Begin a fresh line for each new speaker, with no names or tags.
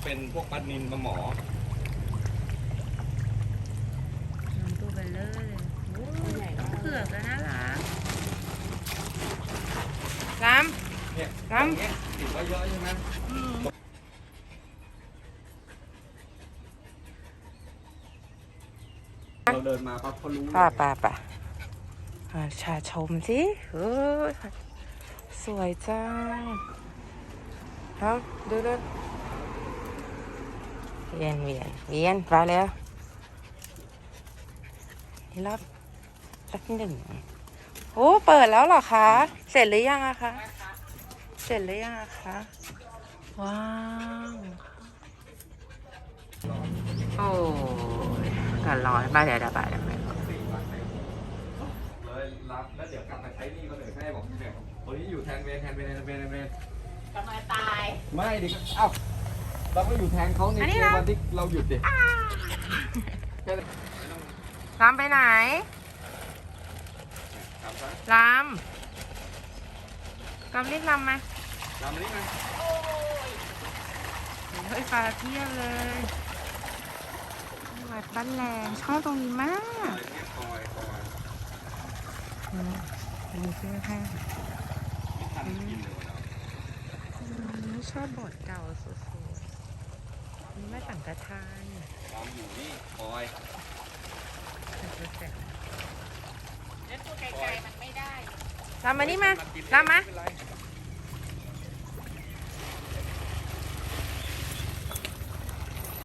เป็นพวกปลานิลปลาหมอ
น้ำตัวเบลเลอร์เลยโอ้ยเผือกแล้วน่ารักล้
เนี่ย
ำล้ำ
เงี้ยติดไว้เยอะใช่ไหมเราเดินมาปั๊บเขารู้
ป่าชาชมสิเฮ้ยสวยจังเอาดูเวียนไปแล้วนี่รอบหนึ่งโอ้เปิดแล้วเหรอคะเสร็จหรือยังอะคะเสร็จหรือยังอะคะว้าวโอ้ยก็ร้อนไปเดี๋ยวไป
เลยรับแล้วเดี๋ยวกลับมาใช้นี่ก็เลยให้บอกเนี่ยคนนี้อยู่แทนเวร
กำลังตาย
ไม่ดิเอ้าเราก็อยู่แทนเขาในวันที่เราหยุดดิ
ลำไปไหนลำรีบลำมา
ลำนี้ไง
เฮ้ยปลาเพียบเลยวัดบ้านแรงชอบตรงนี้มากมีเสื้อผ้าชอบบทเก่าสุดๆนี่ไม่ต่างกระทาน
ลำอยู่นี่คอย
แล้วตัวไกลๆมันไม่ได้
ลำมานี่มาลำมา